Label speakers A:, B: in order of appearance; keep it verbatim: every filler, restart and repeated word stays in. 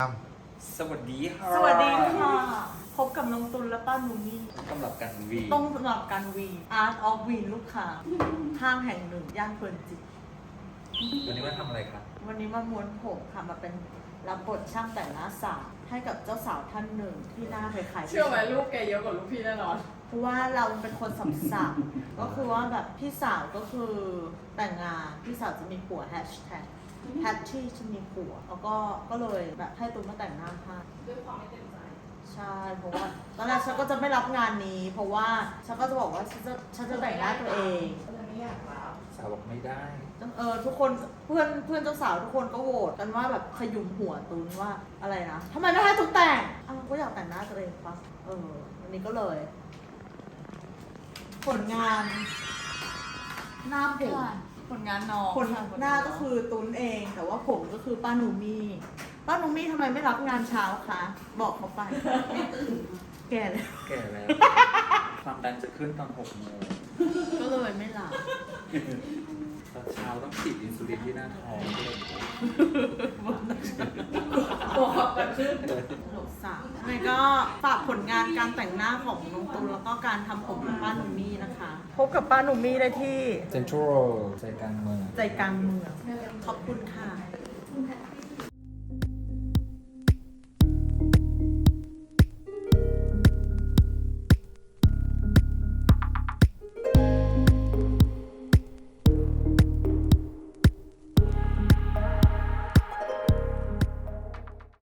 A: สวัสดีค่ะ
B: สวัสดีค่ะ พบกับน้องตุลและป้าหนูนี่
A: สำหรับการวี
B: ต้องสำหรับการวี Art of Win ลูกค้าห้างแห่งหนึ่ง ย่านเพลินจิต
A: วันนี้มาทำอะไรครับ
B: วันนี้มาม้วนผมค่ะ มาเป็นรับบทช่างแต่งหน้าสาวให้กับเจ้าสาวท่านหนึ่งที่หน้าคล้ายๆ
C: เชื่อไหมลูกแกเยอะกว่าลูกพี่แน่นอน
B: เพราะว่าเราเป็นคนสัมสับก็คือว่าแบบพี่สาวก็คือแต่งงาน พี่สาวจะมีผัวแฮชแท็กแฮชที่จะมีผัว แล้วก็ก็เลยแบบให้ตุ้มมาแต่งหน้าให้
C: ด้วยความไม่เต็มใจ
B: ใช่ เพราะว่าตอนแรกฉันก็จะไม่รับงานนี้ เพราะว่าฉันก็จะบอกว่าฉันจะฉันจะแต่งหน้าตัวเอง
C: ก็เลยไม่อยากรับ
A: สาวบอกไม่ได้
B: เออทุกคนเพื่อนเพื่อนเจ้าสาวทุกคนก็โหวตกันว่าแบบขยุมหัวตูนว่าอะไรนะทำไมไม่ให้ตูนแต่งอ้าวก็อยากแต่งหน้าตัวเองปะเออวันนี้ก็เลย ผลงานหน้าผม
C: ผลงานน้อง
B: ผลหน้าก็คือตูนเอง แต่ว่าผมก็คือป้าหนูมีป้าหนูมีทำไมไม่รับงานเช้าคะบอกเขาไปแก่แล้ว
A: แก่แล้ว ความดันจะขึ้นตอนหกโมง
B: ก็เลยไม่รับ
A: ตอนเช้าต้องฉีดอินซูลินที่หน้าท้องด้วย
C: ตัวขับกันขึ้น
B: หลกสาวยังไงก็ฝากผลงานการแต่งหน้าของน้องตูนแล้วก็การทำผมของป้าหนุ่มมี่นะคะ พบกับป้าหนุ่มมี่ได้ที่
A: เซ็นทรัลใจกลางเมือง
B: ใจกลางเมือง ขอบคุณค่ะ